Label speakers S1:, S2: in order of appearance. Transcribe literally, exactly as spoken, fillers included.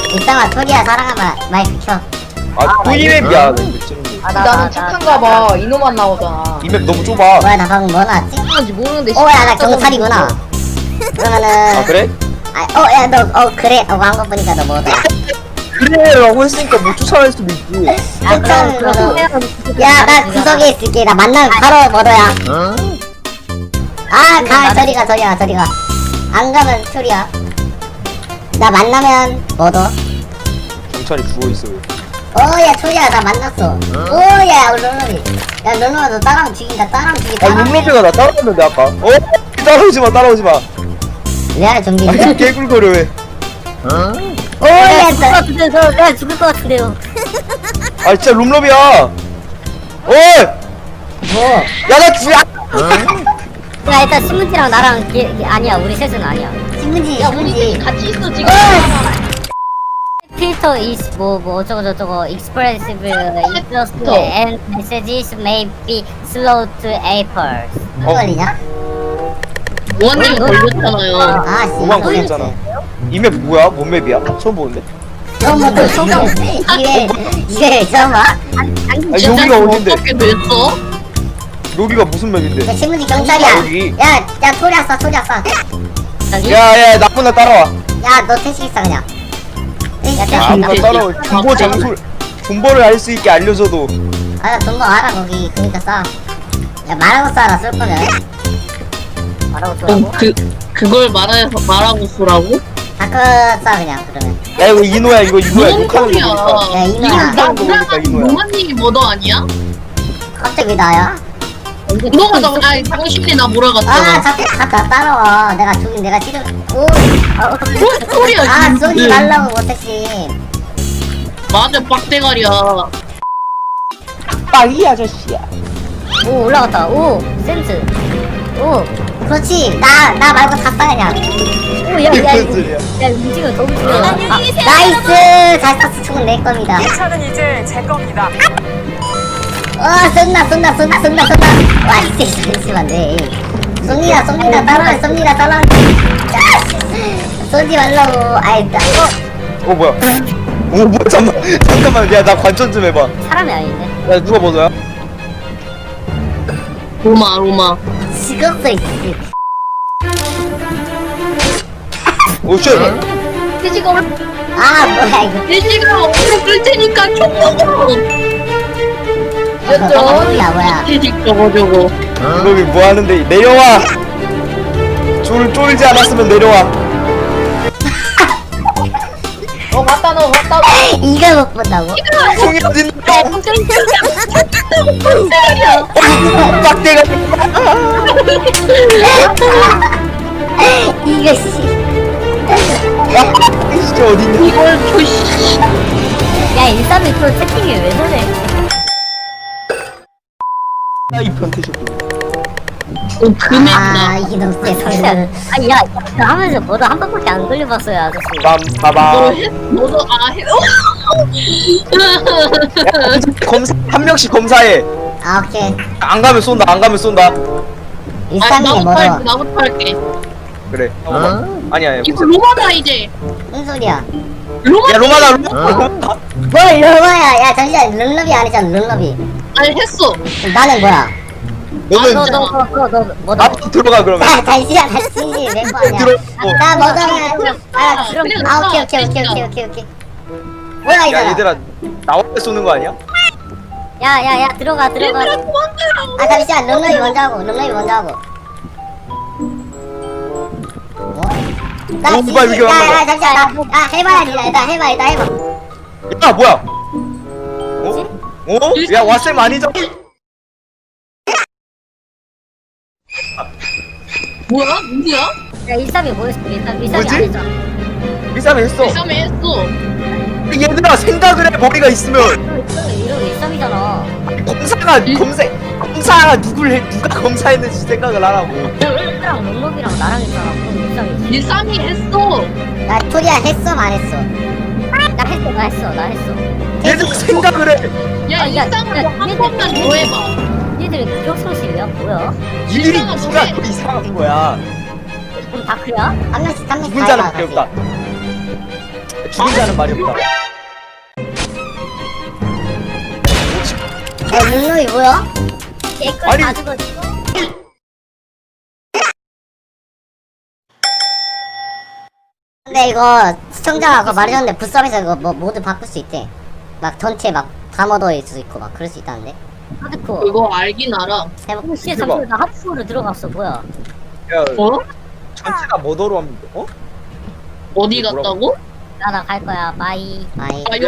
S1: 일상아 토리야 사랑하면 마이크 켜.
S2: 아 토니맵이야.
S1: 아, 나,
S3: 나는 착한가 봐. 이놈만 나오잖아.
S2: 이 맵 너무 좁아.
S1: 뭐야 나 방금 뭐 나왔지?
S3: 뭔지 모르는데.
S1: 오야 나 경찰이구나. 그러면은
S2: 아 그래?
S1: 아어야 너 어 그래 어 광고 보니까 너 뭐다?
S2: 그래라고 했으니까 뭐 쫓아낼 수도 있고.
S1: 아 그럼 그럼 야나 구석에 있을게. 나 만나면 바로 뭐더야. 아가 저리가 저리가 저리가. 안 가면 토리야. 나 만나면 뭐더?
S2: 경찰이 죽어 있어.
S1: 오야 토리야 나 만났어. 오야 롤러비. 야 롤러가 너 따라하면 죽인다. 따라하면 죽인다.
S2: 아 룸로비가 나 따라왔는데 아까. 어? 따라오지 마 따라오지 마.
S1: 레알 좀비.
S2: 아 개굴거려 왜?
S1: 오야 나 죽을 거 내가 죽을 것 같은데요.
S2: 아 진짜 룸로비야. 어이!
S1: 뭐?
S2: 야나 주. 야
S1: 야 일단 신문지랑 나랑 기, 기, 아니야 우리 셋은 아니야. 신문지
S3: 야, 우리
S1: 신문지.
S3: 같이 있어, 지금.
S1: 필터 is 뭐뭐 어쩌고 저쩌고 expressive interest
S3: 필터.
S1: and messages may be slow to apples.
S2: 어.
S1: 걸리냐?
S3: 원님 걸렸잖아요.
S1: 아 씨.
S2: 오만 걸렸잖아. 이 맵 뭐야? 뭔 맵이야? 처음 보는데?
S1: 처음 본다 처음 본 이게 이게 처음 봐?
S2: 아 여기가 어딘데?
S3: 어떻게 됐어?
S2: 여기가 무슨 맵인데?
S1: 야 신문지 경찰이야.
S2: 여기.
S1: 야야 소리 왔어 소리 왔어. 저기.
S2: 야야 나쁜 나 따라와.
S1: 야너 택시 있어 그냥. 야 택시
S2: 아,
S1: 있다.
S2: 나 따라와. 존버 장소 존버를 알 수 있게 알려줘도.
S1: 아나 돈거 알아 거기 그니까 싸. 야 말하고 싸라 쓸 거면. 말하고 쏘라고?
S3: 어, 그, 그걸 말해, 말하고 쏘라고?
S1: 다크 싸 그냥 그러면.
S2: 야 이거 이노야 이거 이노야
S3: 뭔
S2: 욕하는
S3: 소리야.
S2: 거니까.
S1: 야, 이노야.
S3: 이거 나
S2: 욕하는 거니까
S3: 몰라가지고
S2: 이노야.
S3: 로마님이 뭐더 아니야?
S1: 갑자기 왜 나야?
S3: 너가 나, 아니, 당신이 나
S1: 아
S3: 몰아갔잖아.
S1: 자꾸 갔다 따라와. 내가 죽인 내가 지금 오. 아,
S3: 뭔 소리야,
S1: 아
S3: 지금.
S1: 쏘지 말라고 못했지.
S3: 맞아, 빡대가리야.
S2: 빵이 아저씨야.
S1: 오 올라갔다. 오 센스. 오 그렇지. 나 나 말고 다 싸 그냥. 오야야
S2: 무슨 소리야?
S1: 야 움직여 더 움직여.
S4: 안녕히
S1: 아,
S4: 계세요,
S1: 나이스. 잘 쐈어. 총은 내 겁니다.
S4: 이 차는 이제 제 겁니다.
S1: 어 쏜다 쏜다 쏜다 쏜다 쏜다. 와 이제 잠시만 네. 쏩니다 쏩니다 따라와 쏩니다 따라와. 쏘지 말라고. 아이 나 어.
S2: 어 뭐야? 어 뭐야 잠만 잠깐만 야 나 관전 좀 해봐.
S1: 사람이 아닌데.
S2: 야 누가 벗어야?
S3: 로마, 로마.
S1: 죽었어 이.
S2: 오쉣.
S3: 돼지가 올,
S1: 아 뭐야 이거.
S3: 돼지가 얼굴 끌 테니까 총 먹어.
S1: 어, 야 뭐야.
S3: 돼지 저거 저거.
S2: 이놈이 뭐 하는데 내려와. 쫄 쫄지 않았으면 내려와.
S3: 어, 맞다, 너, 맞다, 너.
S1: 이걸 못 본다고?
S2: 총이 어딨는데?
S3: 빡대가리야.
S2: 빡대가.
S1: 이거 씨.
S2: 진짜 어딨냐?
S3: 이걸 조시.
S1: 야 일삼일 프로 채팅이 왜 저래?
S2: 이 변태식.
S3: 어, 금액이다.
S1: 아 이놈 새 성장. 아야 하면서 뭐도 한 번밖에 안 걸려봤어요 아저씨.
S2: 빰
S3: 너
S2: 빠밤.
S3: 해? 너도 아 해?
S2: 검사 한 명씩 검사해.
S1: 아 오케이.
S2: 안 가면 쏜다. 안 가면 쏜다.
S3: 아,
S1: 일삼일에
S3: 나부터 할게,
S1: 뭐더?
S3: 나부터 할게.
S2: 그래. 어? 아니야. 아니야.
S3: 이거 로마다 이제.
S1: 무슨 소리야?
S3: 로마.
S2: 야 로마다 로마.
S1: 뭘 르마야? 야 잠시만 룰러비 아니잖아 룰러비.
S3: 아니 했어.
S1: 그럼 나는 뭐야?
S2: 너는
S1: 너너너너너 뭐다?
S2: 앞으로 들어가 그러면.
S1: 아 잠시만 잠시 멤버 아니야.
S2: 들어.
S1: 나 뭐더면 아 그럼
S3: 그래,
S1: 아 오케이 오케이 오케이
S3: 진짜.
S1: 오케이 오케이 오케이. 뭐야
S2: 야
S1: 이거?
S2: 얘들아 나올 때 쏘는 거 아니야?
S1: 야야야 들어가 들어가.
S3: 얘들아 도망가요.
S1: 아 잠시만 룰러비 먼저 하고 룰러비 먼저 하고. 뭐? 나
S2: 어, 뭐야, 이게
S1: 야야
S2: 얼마나-
S1: 잠시만 나 아 해봐야지 일단 해봐 일단 해봐.
S2: 야 뭐야? 어? 어? 야 왓쌤 아니죠?
S3: 뭐야? 누구야?
S1: 야 일삼이 뭐였어? 일삼 일삼이
S2: 뭐지?
S1: 아니죠?
S2: 일삼이 했어.
S3: 일삼에 했어.
S2: 얘들아 생각을 해 머리가 있으면.
S1: 이거 일삼이잖아.
S2: 검사가 검사 검사가 누굴 해 누가 검사했는지 생각을 하라고.
S1: 랑 롱롱이랑 나랑 했잖아. 그럼 일삼이지.
S3: 일삼이 했어.
S1: 나 토리야 했어 안 했어? 나 했어 나 했어 나 했어.
S2: 얘들 생각을 해.
S3: 야,
S1: 아, 야,
S3: 일삼을
S1: 야,
S3: 한
S1: 얘들,
S3: 번만 더 해봐.
S1: 얘들 기억상실이야 뭐야?
S2: 이들이
S3: 일상은
S2: 누가
S3: 뭐해?
S2: 더 이상한 거야.
S1: 그럼 다크야? 한 명씩 한 명씩 다 해봐
S2: 혼자는 밖에
S1: 같이.
S2: 없다. 죽은 자는 말이 없다.
S1: 야 룰루이 뭐야? 개꿀
S2: 아니.
S1: 다 죽었어. 근데 이거 시청자가 아까 말해줬는데 부스업에서 이거 뭐 모두 바꿀 수 있대. 막 전체 막 다 묻어일 수 있고 막 그럴 수 있다는데. 하드코어.
S3: 그거 알긴 알아.
S1: 해보.
S5: 씨,
S2: 대박.
S5: 잠시만 나 하프로 들어갔어. 뭐야?
S2: 야,
S3: 어?
S2: 전체가 뭐더로 하면 돼? 어?
S3: 어디
S2: 뭐라고?
S3: 갔다고?
S5: 나 나 갈 거야. 바이.
S1: 아이.
S3: 아,